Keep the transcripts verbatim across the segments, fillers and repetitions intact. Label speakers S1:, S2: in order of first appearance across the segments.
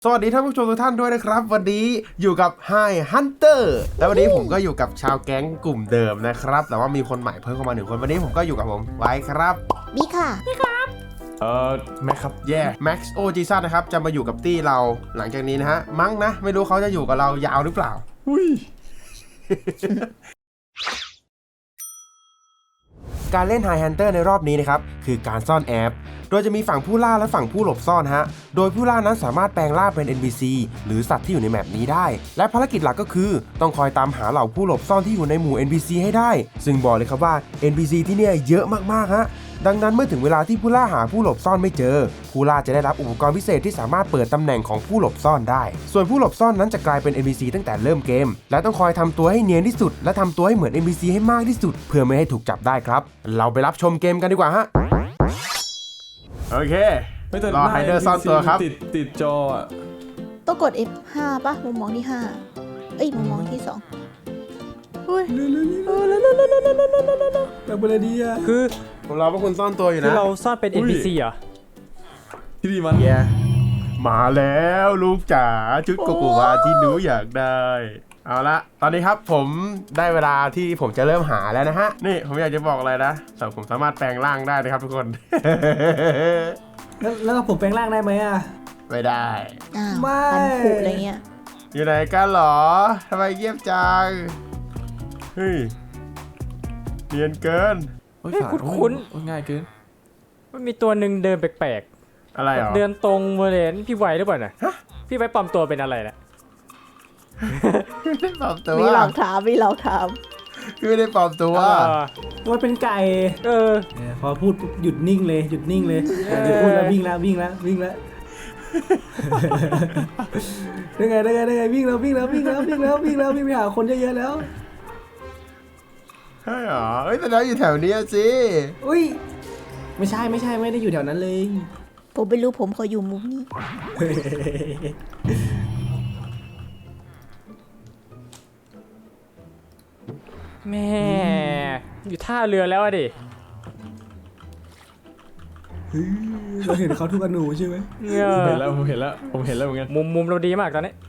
S1: สวัสดีท่านผู้ชมทุกท่านด้วยนะครับวันนี้อยู่กับ Hi Hunter แล้ววันนี้ผมก็อยู่กับชาวแก๊งกลุ่มเดิมนะครับแต่ว่ามีคนใหม่เพิ่มเข้ามาหนึ่งคนวันนี้ผมก็อยู่กับผมไว้ครับ
S2: บีค่ะบีครับ
S1: เอ่อแม็กครับแย่แม็กซ์โอจีซันนะครับจะมาอยู่กับตี้เราหลังจากนี้นะฮะมั้งนะไม่รู้เขาจะอยู่กับเรายาวหรือเปล่าอุ้ย การเล่น Hi Hunter ในรอบนี้นะครับคือการซ่อนแอบโดยจะมีฝั่งผู้ล่าและฝั่งผู้หลบซ่อนฮะโดยผู้ล่านั้นสามารถแปลงร่างเป็น เอ็น พี ซี หรือสัตว์ที่อยู่ในแมปนี้ได้และภารกิจหลักก็คือต้องคอยตามหาเหล่าผู้หลบซ่อนที่อยู่ในหมู่ เอ็น พี ซี ให้ได้ซึ่งบอกเลยครับว่า เอ็น พี ซี ที่เนี่ยเยอะมากๆฮะดังนั้นเมื่อถึงเวลาที่ผู้ล่าหาผู้หลบซ่อนไม่เจอผู้ล่าจะได้รับอุปกรณ์พิเศษที่สามารถเปิดตำแหน่งของผู้หลบซ่อนได้ส่วนผู้หลบซ่อนนั้นจะกลายเป็น เอ็น พี ซี ตั้งแต่เริ่มเกมและต้องคอยทำตัวให้เนียนที่สุดและทำตัวให้เหมือน เอ็น พี ซี ให้มากที่สุดเพื่อไม่ให้ถูกจับได้ครับเราไปรับชมเกมกันดีกว่าฮะโอเครอไฮเดอร์ซ่อนตัวครับ
S3: ติดติดจออ่ะ
S2: ต้องกด เอฟ ห้า ป่ะมุมมองที่ห้าเอ้ยมุมมองที่สองอุ้ย
S3: แบบอะไรดีอ่ะ
S1: คือผมรอพวกคุณซ่อนตัวอยู่นะ
S4: คือเราซ่อนเป็น เอ็น พี ซี เหรอ
S3: ที่ดีมัน
S1: มาแล้วลูกจ๋าชุดโกโกวาที่หนูอยากได้เอาละตอนนี้ครับผมได้เวลาที่ผมจะเริ่มหาแล้วนะฮะนี่ผมอยากจะบอกอะไรนะแต่ผมสามารถแปลงร่างได้นะครับทุกคน
S5: แล้วแล้วผมแปลงร่างได้ไหมอ่ะ
S1: ไม่ได้
S2: อ้าว
S5: ไม่
S2: พันผุอะไรเงี้ย
S1: อยู่ไหนกันหรอทำไมเงียบจังเฮ้ยเนียนเกิน
S4: เฮ้ยคุ้น
S3: ๆง่ายเกิน
S4: มันมีตัวหนึ่งเดินแปลก
S1: ๆอะไรหรอ
S4: เดินตรงมาเลยพี่ไวหรือเปล่าน่ะพี่ไวปลอมตัวเป็นอะไรน่ะ
S1: ไม่ได้ปลอมตัว
S2: มีหลอกถามมีหลอกถาม
S1: พี่ไม่ได้ปลอมตัว
S5: ว่าเป็นไก่
S4: เออ
S5: พอพูดหยุดนิ่งเลยหยุดนิ่งเลยหยุดพูดแล้ววิ่งแล้ววิ่งแล้ววิ่งแล้วได้ไงได้ไงได้ไงวิ่งแล้ววิ่งแล้ววิ่งแล้ววิ่งแล้ววิ่งแล้ววิ่งไปหาคนเยอะๆแล้ว
S1: ใช่หรอเอ้ยแต่เราอยู่แถวนี้สิ
S5: อุ้ยไม่ใช่ไม่ใช่ไม่ได้อยู่แถวนั้นเลย
S2: ผมไม่รู้ผมขออยู่มุมนี้
S4: แม่อยู่ท่าเรือแล้วอะดิ
S5: เราเห็นเขาทุกอนูใช่ไหม
S3: เห็นแล้วผมเห็นแล้วผมเห็นแล้วเหมือนกัน
S4: มุมมุมเราดีมากตอนนี้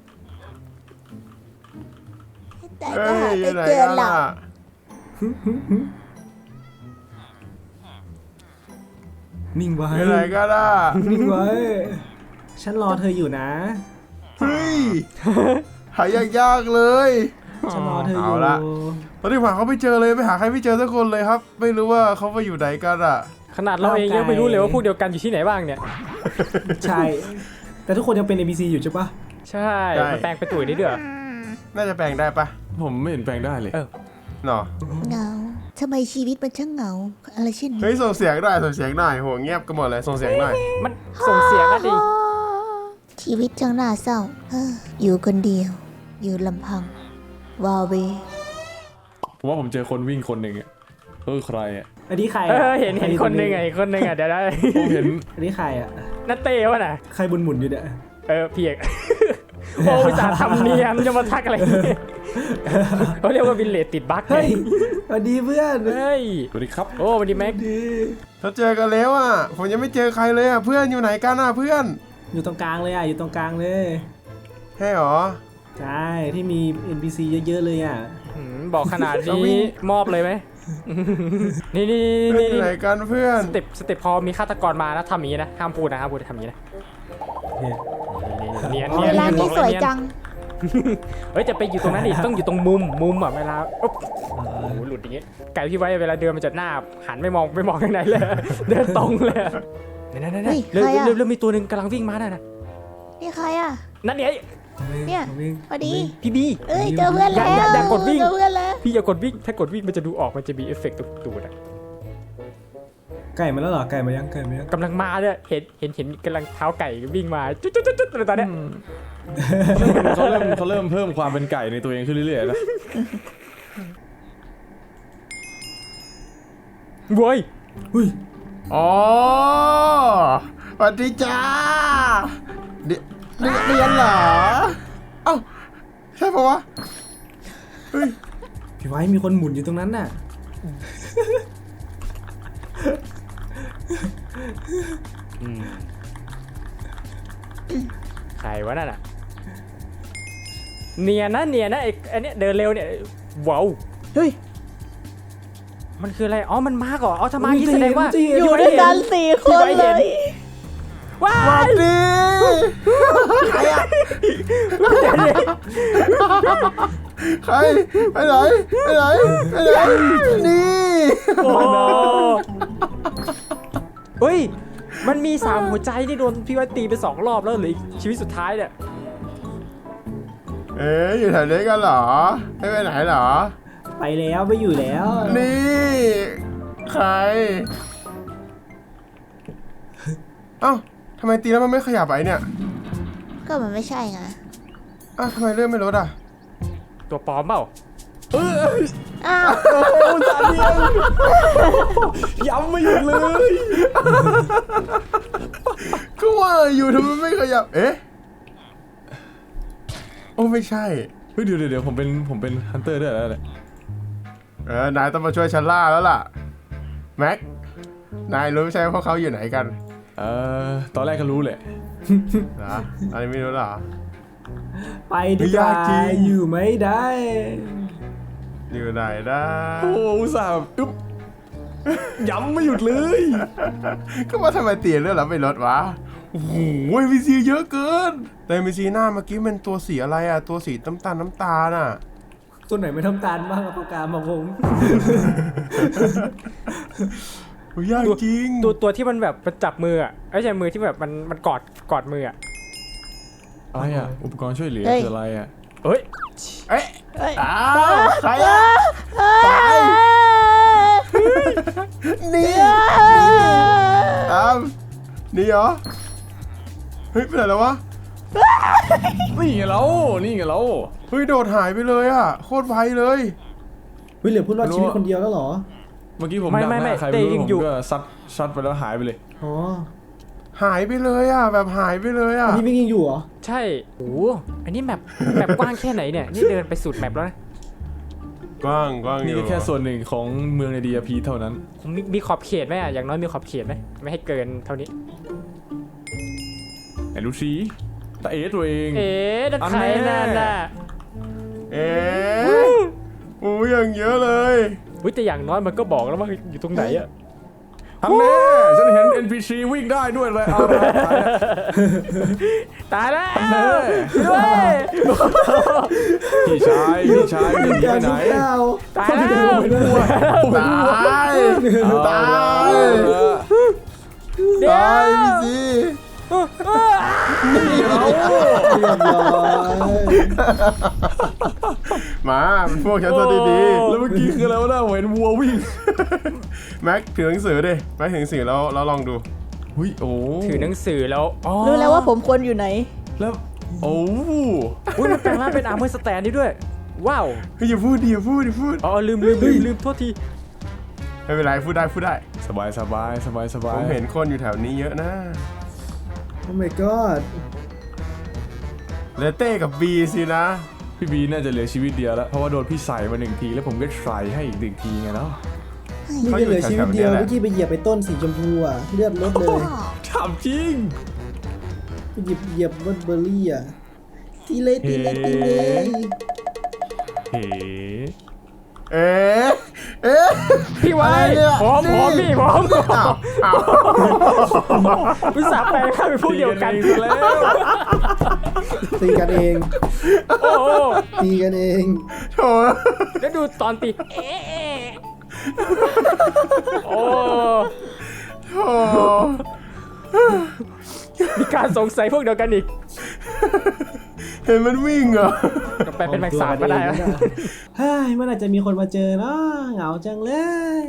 S2: แต่ก็หาไม่เจอหรอก
S5: นิ่งไว้
S1: อะไรก็ได้
S5: นิ่งไว้ฉันรอเธออยู่นะ
S1: เฮ้ยหายยากๆเลย
S5: ฉันรอเธออยู่
S1: ตอนนี้หาเขาไม่เจอเลยไปหาใครไม่เจอสักคนเลยครับไม่รู้ว่าเขาไปอยู่ไหนกันอ่ะ
S4: ขนาดเราเองยังไม่รู้เลยว่าพวกเดียวกันอยู่ที่ไหนบ้างเนี่ย
S5: ใช่แต่ทุกคนยังเป็น เอ็น พี ซี อยู่ใช่ปะ
S4: ใช่มันแปลงเป็นตุ๋ยได้ด้วย
S1: น่าจะแปลงได้ปะ
S3: ผมไม่เห็นแปลงได้เลย
S1: เออเนาะ
S2: เหงาทำไมชีวิตมันช่างเหงาอะไรเช่นนี้
S1: เฮ้ยส่งเสียงได้ส่งเสียงหน่อยโหเงียบกันหมดเลยส่งเสียงหน่อย
S4: มันส่งเสียงอะดิ
S2: ชีวิตช่างน่าเศร้าอยู่คนเดียวอยู่ลำพังวาเว
S3: ผมว่าผมเจอคนวิ่งคนหนึ่งอ่ะเออใครอ่ะ
S5: อันนี้ใคร
S4: เห็นเห็นคนหนึ่งไงคนหนึ่งอ่ะเดี๋ยวได้
S3: ผมเห็น
S5: อันนี้ใครอ่ะ
S4: นัตเต้วะน่ะ
S5: ใครบุญหมุนอยู่เนี่ย
S4: เออเพียกโอ้ยจะทำเนียนจะมาทักอะไรเขาเรียกว่าวินเลตติดบั๊ก
S5: เฮ้ยสวัสดีเพื่อน
S4: เฮ้ย
S3: สวัสดีครับ
S4: โอ้สวัสดีแม็ก
S1: เราเจอกันแล้วอ่ะผมยังไม่เจอใครเลยอ่ะเพื่อนอยู่ไหนกันอ่ะเพื่อน
S5: อยู่ตรงกลางเลยอ่ะอยู่ตรงกลางเลย
S1: ใช่หรอ
S5: ใช่ที่มี เอ็น พี ซี เยอะๆเลยอ่ะ
S4: บอกขนาดนี้มอบเลยไหมนี่นี่นี่
S1: ไหนกันเพื่อน
S4: สเต็ปสเต็ปพอมีฆาตกรมานะทำอย่างนี้นะห้ามพูดนะห้ามพูดทำอย่างนี้นะเนียนเนียน
S2: ร้านนี้สวยจัง
S4: เฮ้ยจะไปอยู่ตรงนั้นดิต้องอยู่ตรงมุมมุมอ่ะเวลาโอ้โหหลุดอย่างงี้ไก่พี่ไว้เวลาเดินมันจะหน้าหันไม่มองไม่มองข้างในเลยเดินตรงเลยนั่นนั่นนั่นเริ่มเริ่มเริ่มมีตัวหนึ่งกำลังวิ่งมาน่ะนะ
S2: นี่ใครอ่ะ
S4: นั่นเนี่ย
S2: เนี่ยพอดี
S4: พี่บี
S2: เอ้ยเจอเพื่อนแล้ว
S4: อย่ากดวิ่ง
S2: เจอเพื่อนแล้ว
S4: พี่อย่ากดวิ่งถ้ากดวิ่งมันจะดูออกมันจะมีเอฟเฟกต์ตูดอ่ะ
S5: ไก่มาแล้วเหรอไก่มายังไก่มายัง
S4: กำลังมาเนี่ยเห็นเห็นเห็นกำลังเท้าไก่วิ่งมาจุ๊ดจุ๊ดจุ๊ดตอนเนี้ย
S3: เขาเริ่มเขาเริ่มเพิ่มความเป็นไก่ในตัวเองขึ้นเรื่อยๆนะ
S4: โว้ย
S5: อุ้ย
S1: อ๋อสวัสดีจ้าเรียนเหรอเอ้าใช่ปะวะเฮ้ย
S5: พี่ไว้มีคนหมุนอยู่ตรงนั้นน่ะ
S4: ใครวะนั่นอ่ะเนียนนะเนียนนะไอ้ไอ้เนี่ยเดินเร็วเนี่ยว้าว
S5: เฮ้ย
S4: มันคืออะไรอ๋อมันมาก่อนอ๋อถ้ามาอย่างนี้แสดงว่า
S5: จะเห็น
S2: อยู่ด้วยกันสี่คนเลย
S4: ว้า
S1: สวั
S4: ย
S1: สดีใครอะใครไปไหนไปไหนไปไหนนี่
S4: โอ้เฮ้ยมันมีสามหัวใจที่โดนพี่ไว้ตีไปสองรอบแล้วเหลืออีกชีวิตสุดท้ายเนี่ย
S1: เอ๊ะอยู่แถวนี้กันเหรอไม่ไปไหนเหรอ
S5: ไปแล้วไม่อยู่แล้ว
S1: นี่ใครเอ้าทำไมตีแล้วมันไม่ขยับไอ้เนี่ย
S2: ก็มันไม่ใช่ไง
S1: อ้าวทำไมเลื่อนไม่ลดอ่ะ
S4: ตัวปลอมเปล่า
S2: อ้าว
S3: ย้ำไม่หยุดเลย
S1: ก็ว่าอยู่ทำไมไม่ขยับเอ๊ะโอ้ไม่ใช่
S3: เฮ้ยเดี๋ยวเดี๋ยวเดี๋ยวผมเป็นผมเป็นฮันเตอร์ด้วยแล้วแหละ
S1: เออนายต้องมาช่วยฉันล่าแล้วล่ะแม็กนายรู้ใช่ไหมพวกเขาอยู่ไหนกัน
S3: เออตอนแรกก็รู้แหละ
S1: เหรออันนี้ไม่รู้เหรอ
S5: ไปดีกว่าย
S1: ากจริง
S5: อยู่ไม่ได้
S1: อยู่ไหนนะ
S3: โอ้อุตส่าห์อึ๊บย้ำไม่หยุดเลย
S1: ก็ว่าทำไมเตียนเลื่อนแล้วไม่ลดวะโอ้โหเอ็ม พี ซี เยอะเกินแต่ เอ็ม พี ซี หน้าเมื่อกี้เป็นตัวสีอะไรอ่ะตัวสีน้ำตาลน้ำตาลอ่ะ
S5: ตัวไหนไม่ทำการบ้างกับประกาศมาคง
S1: โอ้ยยากจริง
S4: ตัวตัวที่มันแบบมันจับมืออ่ะไม่ใช่มือที่แบบมันมันกอดกอดมืออ่ะ
S3: อะไรอ่ะอุปกรณ์ช่วยเหลือคืออะไรอ่ะ
S4: เฮ้ย
S1: เอ๊ะ
S2: เอ้ย
S1: อ้าวใครอ่ะไปนี่ตามนี่เหรอเฮ้ยไปไหนแล้ววะ
S3: นี่ไงเรานี่ไงเรา
S1: เฮ้ยโดดหายไปเลยอ่ะโคตรไวเลย
S5: วิเหลือผู้รอดชีวิตคนเดียวแล้วเหรอ
S3: เมื่อกี้ผม
S4: ไม่
S3: ดัก
S4: ไม่
S3: ห
S4: ไม่
S3: น้าใคร
S4: เต้
S3: ไม่รู้
S4: ยัง
S3: ผม
S4: อยู่
S3: ก็ซัดซัดไปแล้วหายไปเลย
S5: อ๋อ
S1: หายไปเลยอ่ะแบบหายไปเลยอ่ะ
S5: พี่มิกยังอยู่เหรอ
S4: ใช่โอ้โหอันนี้แมปแมปกว้างแค่ไหนเนี่ยนี่เดินไปสุดแมปแล้วนะ
S1: กว้างกว้างอ
S3: นี่
S1: ยู่
S3: ก็แค่ส่วนหนึ่งของเมืองในดีอาพีเท่านั้น
S4: ผมมีมีขอบเขตไหมอ่ะอย่างน้อยมีขอบเขตไหมไม่ให้เกินเท่านี้
S3: ไหนดูสิตาเอ๋ตัวเอง
S4: เอ๊ะนั่นใคร
S3: อันแน่
S4: นั่นน่ะ
S1: เอ๊ะโอ้ยอย่างเยอะเลย
S4: วิแต่อย่างน้อยมันก็บอกแล้วว่าอยู่ตรงไหนอ่ะ
S3: ทันแน่ฉันเห็น เอ็น พี ซี วิ่งได้ด้วยเลยเอาละตายแล้ว
S4: ตายแล้ว
S3: แน่
S4: ด้วย
S3: พี่ชายพี่ชายจะหนีไปไหน
S5: เก้า
S4: ตายแล้ว
S1: ตาย
S3: เอา
S1: ตา
S3: ละ
S1: ย
S4: เดี๋ยว
S1: ตายพี่ซี
S5: เรียบร้อย
S1: มาเป็นพวกฉันซะดี
S3: แล้วเมื่อกี้คืออะไรวะน่าเห็นวัววิ่ง
S1: ๆแม็กถือหนังสือดิแม็กถือหนังสือแล้วแล้วลองดู
S3: หุ้ยโอ้
S4: ถือหนังสือแล้วอ๋อ
S2: รู้แล้วว่าผมควรอยู่ไหน
S3: แล้วโอ้
S4: อุ้ยมันแปลงร่างเป็นอาร์เมอร์สแตนได้ด้วย ว้าว
S1: เฮ้ยอย่าพูดดิอย่าพูดอย่าพูด
S4: อ๋อลืมลืมลืมลืมโทษที
S1: ไม่เป็นไรพูดได้พูดได้
S3: สบายสบายสบายสบา
S1: ผ
S3: ย
S1: มเห็นคนอยู่แถวนี้เยอะนะ
S5: โอ้ my god
S1: เลเต้กับบีสินะ
S3: พี่บีน่าจะเหลือชีวิตเดียวแล้วเพราะว่าโดนพี่ใส่มาหนึ่งทีแล้วผมก็ใส่ให้อีกหนึ่งทีไงเนาะ
S5: นี่ก็เหลือชีวิตเดียวเมื่อกี้ไปเหยียบไปต้นสีชมพูอ่ะเลือดลดเลย
S3: ถามจริง
S5: ไปหยิบเหยียบรถเบอร์รี่อ่ะตีเลยตีเลยตีเลย
S3: เฮ้
S1: เอ๊ะเอ๊ะ
S4: พี่ไว้
S1: อะไรเนี่ย
S4: พร้อมพร้อม
S1: นี่
S4: พี่พร้อม
S1: อ้าวอ้าว
S4: วิสาแปลงร่างเป็นพวกเดียวกัน
S3: ตีแล้ว
S5: ตีกันเอง
S4: โอ้โห
S5: ตีกันเอง
S1: โถ
S4: แล้วดูตอนตีเอ๊ะเอ๊ะโอ้
S1: โถ
S4: มีการสงสัยพวกเดียวกันอีก
S1: เห็นมันวิ่งเหรอ
S4: ก็ไปเป็นแมงสาบก็ได้นะ
S5: เฮ้ยเมื่อไหร่จะมีคนมาเจอเนาะเหงาจังเลย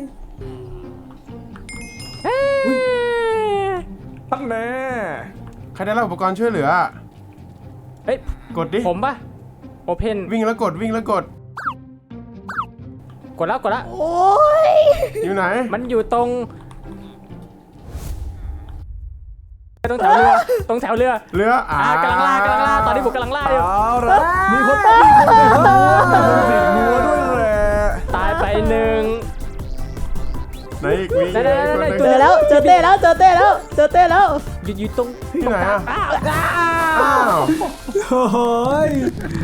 S3: ทันแน่
S1: ใครได้รับอุปกรณ์ช่วยเหลือ
S4: เฮ้ย
S1: กดดิ
S4: ผมปะโอเพน
S1: วิ่งแล้วกดวิ่งแล้วกด
S4: กดแล้วกดแล้ว
S2: โอ้ย
S1: อยู่ไหน
S4: มันอยู่ตรงตรงแถวเรือตรงแถวเรือ
S1: เรืออ่า
S4: อ่ากำลังล่ากำลังล่าตอนนี้ผมกำลังล่าอยู่
S3: เอาละมีคนมีคนติดหัวมีคนติดหัวด้วยแหละ
S4: ตายไปหนึ่ง
S1: ไหนอีกมี
S4: ได้ได้ได้ได้
S1: อีก
S2: เจ
S1: คนหนึ่ง
S2: อแล้วเจอเต้แล้วเจอเต้แล้วเจอเต้แล้ว
S4: อยู่อยู่ตรง
S1: ที่ไหนอ่ะ
S4: อ้าว
S1: อ้าว
S5: โอ้ย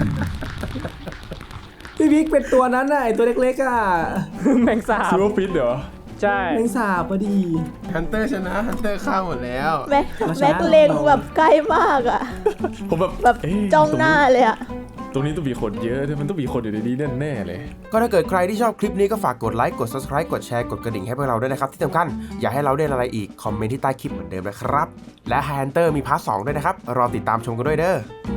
S5: พี่บิ๊กเป็นตัวนั้นน่ะไอตัวเล็กๆอ่ะ
S4: แมงสาบ
S3: ซิลเวอร์ฟิตเหรอ
S4: ใช่
S5: แมงสาบพอดี
S1: ฮันเตอร์ชนะฮันเตอร์ฆ่าหมดแล้ว
S2: แม็กแม็กเล็งแบบใกล้มากอ่ะ
S3: ผมแบบ
S2: แบบ
S3: เอ๊ะ
S2: จ้องหน้าเลยอ่ะ
S3: ตรงนี้ต้องมีคนเยอะมันต้องมีคนอยู่ในนี้แน่ๆเลย
S1: ก็ถ้าเกิดใครที่ชอบคลิปนี้ก็ฝากกดไลค์กด Subscribe กดแชร์กดกระดิ่งให้พวกเราด้วยนะครับที่สำคัญอยากให้เราเล่นอะไรอีกคอมเมนต์ที่ใต้คลิปเหมือนเดิมนะครับและ Hunter มีพาร์ทสองด้วยนะครับรอติดตามชมกันด้วยเด้อ